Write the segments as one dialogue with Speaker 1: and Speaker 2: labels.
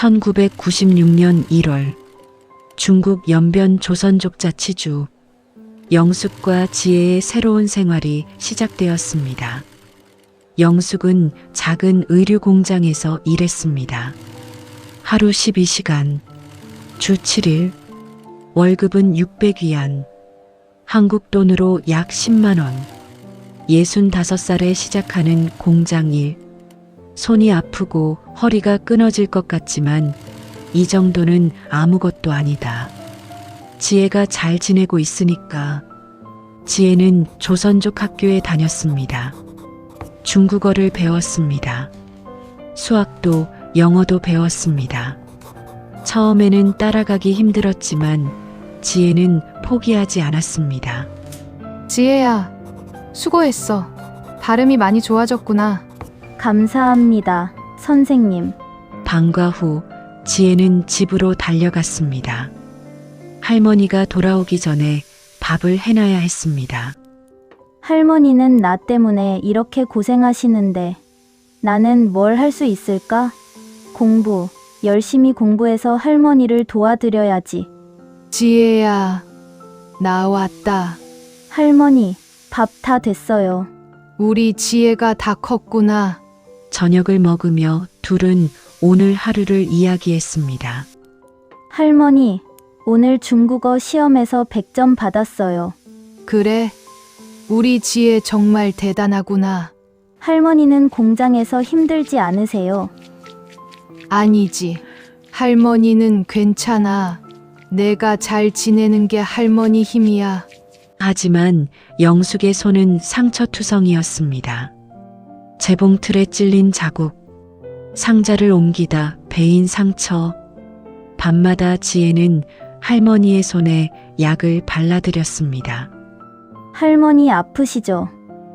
Speaker 1: 1996년 1월 중국 연변 조선족 자치주 영숙과 지혜의 새로운 생활이 시작되었습니다. 영숙은 작은 의류 공장에서 일했습니다. 하루 12시간, 주 7일, 월급은 600위안, 한국 돈으로 약 10만 원. 65살에 시작하는 공장 일. 손이 아프고 허리가 끊어질 것 같지만 이 정도는 아무것도 아니다. 지혜가 잘 지내고 있으니까. 지혜는 조선족 학교에 다녔습니다. 중국어를 배웠습니다. 수학도 영어도 배웠습니다. 처음에는 따라가기 힘들었지만 지혜는 포기하지 않았습니다.
Speaker 2: 지혜야, 수고했어. 발음이 많이 좋아졌구나.
Speaker 3: 감사합니다, 선생님.
Speaker 1: 방과 후 지혜는 집으로 달려갔습니다. 할머니가 돌아오기 전에 밥을 해놔야 했습니다.
Speaker 3: 할머니는 나 때문에 이렇게 고생하시는데 나는 뭘 할 수 있을까? 열심히 공부해서 할머니를 도와드려야지.
Speaker 2: 지혜야, 나 왔다.
Speaker 3: 할머니, 밥 다 됐어요.
Speaker 2: 우리 지혜가 다 컸구나.
Speaker 1: 저녁을 먹으며 둘은 오늘 하루를 이야기했습니다.
Speaker 3: 할머니, 오늘 중국어 시험에서 100점 받았어요.
Speaker 2: 그래, 우리 지혜 정말 대단하구나.
Speaker 3: 할머니는 공장에서 힘들지 않으세요?
Speaker 2: 아니지, 할머니는 괜찮아. 내가 잘 지내는 게 할머니 힘이야.
Speaker 1: 하지만 영숙의 손은 상처투성이었습니다. 재봉틀에 찔린 자국, 상자를 옮기다 베인 상처. 밤마다 지혜는 할머니의 손에 약을 발라드렸습니다.
Speaker 3: 할머니 아프시죠?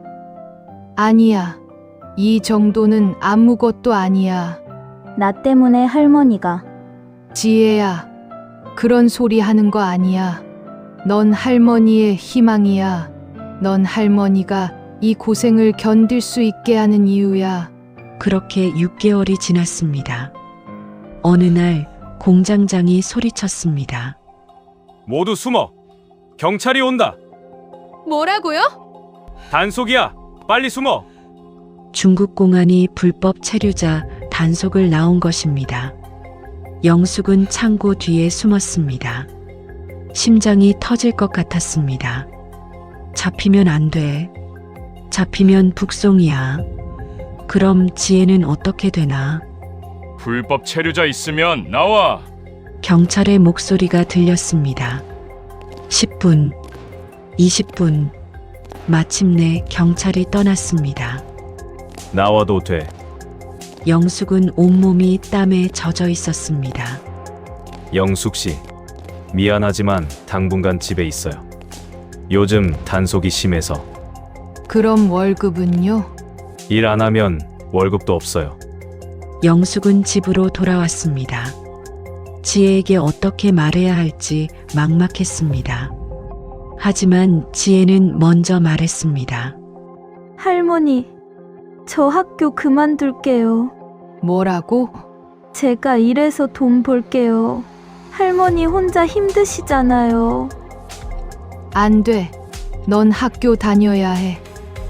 Speaker 2: 아니야, 이 정도는 아무것도 아니야.
Speaker 3: 나 때문에 할머니가.
Speaker 2: 지혜야, 그런 소리 하는 거 아니야. 넌 할머니의 희망이야. 넌 할머니가 이 고생을 견딜 수 있게 하는 이유야.
Speaker 1: 그렇게 6개월이 지났습니다. 어느 날 공장장이 소리쳤습니다.
Speaker 4: 모두 숨어. 경찰이 온다.
Speaker 2: 뭐라고요?
Speaker 4: 단속이야. 빨리 숨어.
Speaker 1: 중국 공안이 불법 체류자 단속을 나온 것입니다. 영숙은 창고 뒤에 숨었습니다. 심장이 터질 것 같았습니다. 잡히면 안 돼. 잡히면 북송이야. 그럼 지혜는 어떻게 되나?
Speaker 4: 불법 체류자 있으면 나와.
Speaker 1: 경찰의 목소리가 들렸습니다. 10분, 20분, 마침내 경찰이 떠났습니다.
Speaker 4: 나와도 돼.
Speaker 1: 영숙은 온몸이 땀에 젖어 있었습니다.
Speaker 4: 영숙 씨, 미안하지만 당분간 집에 있어요. 요즘 단속이 심해서.
Speaker 2: 그럼 월급은요?
Speaker 4: 일 안 하면 월급도 없어요.
Speaker 1: 영숙은 집으로 돌아왔습니다. 지혜에게 어떻게 말해야 할지 막막했습니다. 하지만 지혜는 먼저 말했습니다.
Speaker 3: 할머니, 저 학교 그만둘게요.
Speaker 2: 뭐라고?
Speaker 3: 제가 일해서 돈 벌게요. 할머니 혼자 힘드시잖아요.
Speaker 2: 안 돼. 넌 학교 다녀야 해.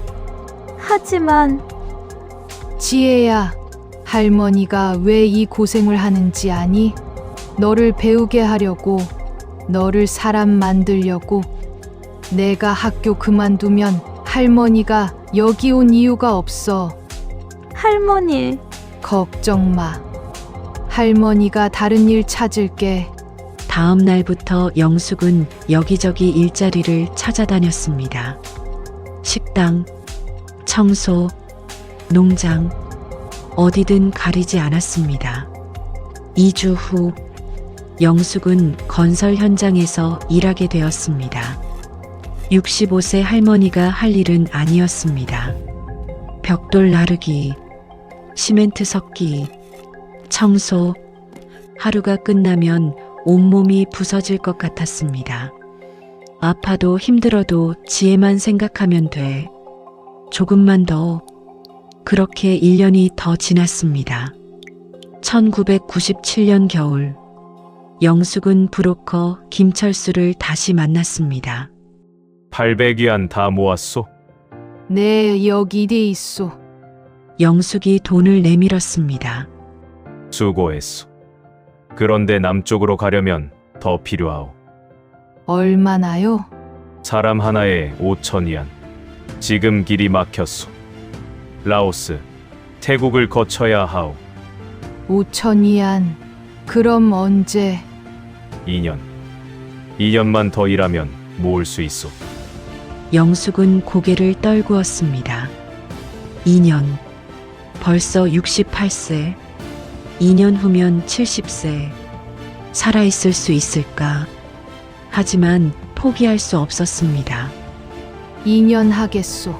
Speaker 3: 하지만
Speaker 2: 지혜야, 할머니가 왜 이 고생을 하는지 아니? 너를 배우게 하려고, 너를 사람 만들려고. 내가 학교 그만두면 할머니가 여기 온 이유가 없어.
Speaker 3: 할머니,
Speaker 2: 걱정 마. 할머니가 다른 일 찾을게.
Speaker 1: 다음 날부터 영숙은 여기저기 일자리를 찾아다녔습니다. 식당, 청소, 농장, 어디든 가리지 않았습니다. 2주 후 영숙은 건설 현장에서 일하게 되었습니다. 65세 할머니가 할 일은 아니었습니다. 벽돌 나르기, 시멘트 섞기, 청소. 하루가 끝나면 온몸이 부서질 것 같았습니다. 아파도 힘들어도 지혜만 생각하면 돼. 조금만 더. 그렇게 1년이 더 지났습니다. 1997년 겨울, 영숙은 브로커 김철수를 다시 만났습니다.
Speaker 4: 800위안 다 모았소?
Speaker 2: 네, 여기 돼 있소.
Speaker 1: 영숙이 돈을 내밀었습니다.
Speaker 4: 수고했소. 그런데 남쪽으로 가려면 더 필요하오.
Speaker 2: 얼마나요?
Speaker 4: 사람 하나에 5,000위안. 지금 길이 막혔소. 라오스, 태국을 거쳐야 하오.
Speaker 2: 5천이안. 그럼 언제?
Speaker 4: 2년. 2년만 더 일하면 모을 수 있소.
Speaker 1: 영숙은 고개를 떨구었습니다. 2년. 벌써 68세. 2년 후면 70세. 살아있을 수 있을까? 하지만 포기할 수 없었습니다.
Speaker 2: 2년 하겠소.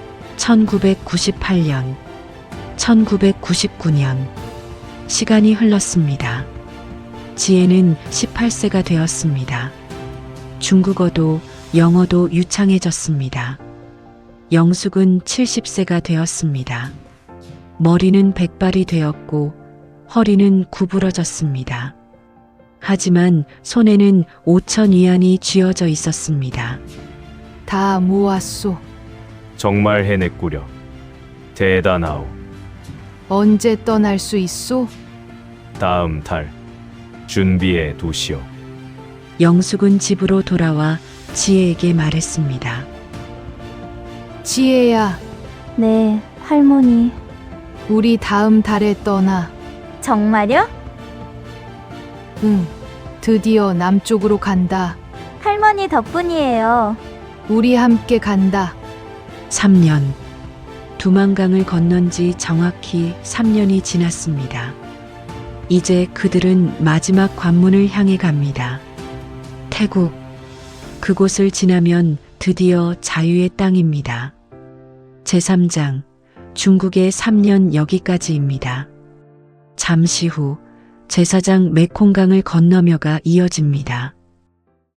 Speaker 1: 1998년, 1999년. 시간이 흘렀습니다. 지혜는 18세가 되었습니다. 중국어도 영어도 유창해졌습니다. 영숙은 70세가 되었습니다. 머리는 백발이 되었고 허리는 구부러졌습니다. 하지만 손에는 5,000위안이 쥐어져 있었습니다.
Speaker 2: 다 모았소.
Speaker 4: 정말 해냈구려. 대단하오.
Speaker 2: 언제 떠날 수 있소?
Speaker 4: 다음 달. 준비해 두시오.
Speaker 1: 영숙은 집으로 돌아와 지혜에게 말했습니다.
Speaker 2: 지혜야,
Speaker 3: 네, 할머니.
Speaker 2: 우리 다음 달에 떠나.
Speaker 3: 정말요?
Speaker 2: 응, 드디어 남쪽으로 간다.
Speaker 3: 할머니 덕분이에요.
Speaker 2: 우리 함께 간다.
Speaker 1: 3년. 두만강을 건넌 지 정확히 3년이 지났습니다. 이제 그들은 마지막 관문을 향해 갑니다. 태국. 그곳을 지나면 드디어 자유의 땅입니다. 제3장. 중국의 3년 여기까지입니다. 잠시 후 제4장 메콩강을 건너며가 이어집니다.